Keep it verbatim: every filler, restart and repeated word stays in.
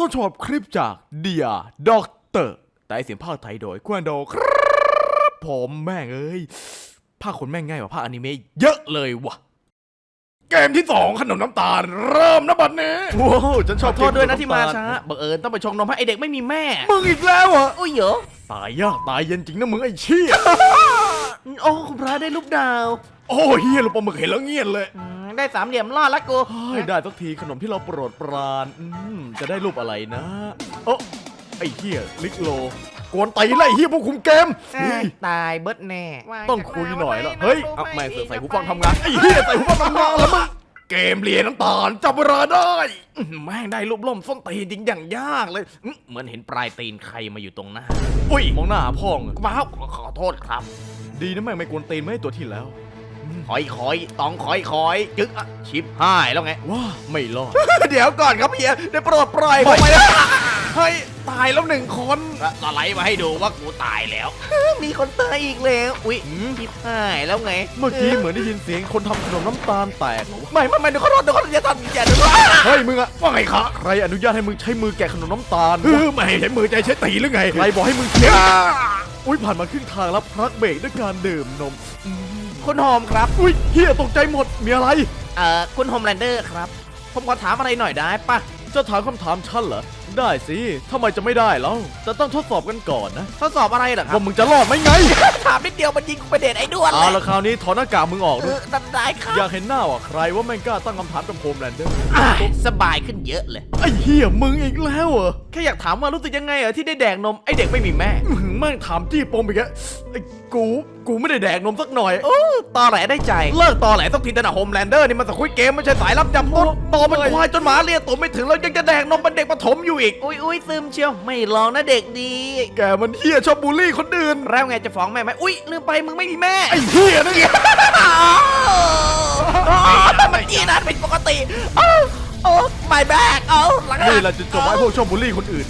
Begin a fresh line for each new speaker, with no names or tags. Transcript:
ต้นฉบับคลิปจากเดียด็อกเตอร์แต่เสียงภาคไทยโดยควันโดครับผมแม่งเอ้ยภาคคนแม่งง่ายกว่าภาคอนิเมะเยอะเลยวะเกมที่สองขนมน้ำตาลเริ่มนะบัดนี้ว้าวฉันชอบ
โทษด้วยนะที่มาช้าบังเอิญต้องไปชงนมให้ไอเด็กไม่มีแม่
มึงอีกแล้วเหรอ
อุ้ยเหรอ
ตายยากตายเย็นจริงนะมึงไอ้เชี่ย
โอ้คุณพระได้รูปดาว
โอ้เฮียลูกปลาหมึกเห็นแล้วเงียบเลย
อืมได้สามเหลี่ยมรอดละกู
เฮ้ยได้สักทีขนมที่เราโปรดปรานอืมจะได้รูปอะไรนะโอ้ไอ้เฮียลิกโลกวนตีไล่เฮียพวกคุมเกม
เอ้ยตายเบิร์ดแน่
ต้องคุยหน่อยแล้วเฮ้ยเอาแม่งเสือกใส่หูฟังทำงานไอ้เฮียใส่หูฟังทำงานแล้วมึงเกมเรียนน้ำตาลจับเวลาได้อื้อแม่งได้รูปล่มส้นตีนจริงอย่างยากเลยอื้อ
เหมือนเห็นปลายตีนใครมาอยู่ตรงหน้า
อุ้ยมองหน้าพ่องอะ
ว้าวขอโทษครับ
ดีนะแม่งไม่กวนตีนไม่ให้ตัวที่แล้ว
คอยคอยต้องคอยคอยจึ๊กอะชิปหายแล้วไง
ว้าไม่รอด
เดี๋ยวก่อนครับเฮียได้โปรดปล่อยผมไปนะ
เฮ้ยตายแล้วหนึ่งคน
สไลด์มาให้ดูว่ากูตายแล้ว มีคนตายอีกแล้วอุ้ยชิปหายแล้วไง
เมื่อกี้เหมือนได้ยินเสียงคนทำขนมน้ำตาลแตกเหรอวะ
ไม่ไม่ไม่เดี๋ยวเขาโดนเดี๋ยวเขาจะทำอย่าเดี๋ยวเขา
เฮ้ยมึงอะว่าไงคะใครอนุญาตให้มึงใช้มือแกะขนมน้ำตาล
เออไม่ให้ใช้มือใจใช้ตีหรือไง
ใครบอกให้มึงเคี้ยวอุ้ยผ่านมาครึ่งทางแล้วพลักเบรกด้วยการดื่มนมอืม
คุณโฮมครับ
อุ้ยเฮียตกใจหมดมีอะไร
เอ่อคุณโฮมแลนเดอร์ครับ ผมขอถามอะไรหน่อยได้ปะ
จะถามคำถามฉันเหรอได้สิทำไมจะไม่ได้แล้วแต่ต้องทดสอบกันก่อนนะ
ทดสอบอะไรเหรอครับ
ว่ามึงจะรอดไหมไง
ถามนิดเดียวมันยิงกูไปเด็ดไอ้ด้วนเล
เอา
ย
ละคราวนี้ถอดหน้ากากมึงออก
เอ
ด้วย
อนั่นได้ครับ
อยากเห็นหน้าว่ะใครว่าแม่งกล้าตั้งคำถามกับโฮมแลนเดอร์
อ่ะสบายขึ้นเยอะเลย
ไอ้เฮียมึงอีกแล้วเหรอ
แค่อยากถามว่ารู้สึกยังไงเหรอที่ได้แดกนมไอเด็กไม่มีแม่
อื้อหือแม่งถามจี้ปมอีกแล้วไอ้กูกูไม่ได้แดกนมสักหน่อย
โอ้ตอแหลได้ใจ เลิกตอแหลสักทีแต่นะโฮมแลนเดอร์นี่มันสคุยเกมไม่ใช่สายรับจำต้นโตมันควายจนหมาเลียตัวไม่ถึงแล้วยังจะแดกนมเป็นเด็กประถมอยู่อีก อุ้ยอุ้ยซึมเชียวไม่ลองนะเด็กดี
แกมันเฮียชอบบูลลี่คนอื่น
แล้วไงจะฟ้องแม่ไหมอุ้ยลืมไปมึงไม่มีแม่
ไอ้เฮียนั่นไง
มันกี้นั้นเป็นปกติโอ้โอ้ my back เอาหลัง
นี่แหละจุดจบไอ้พวกชอบบูลลี่คนอื่น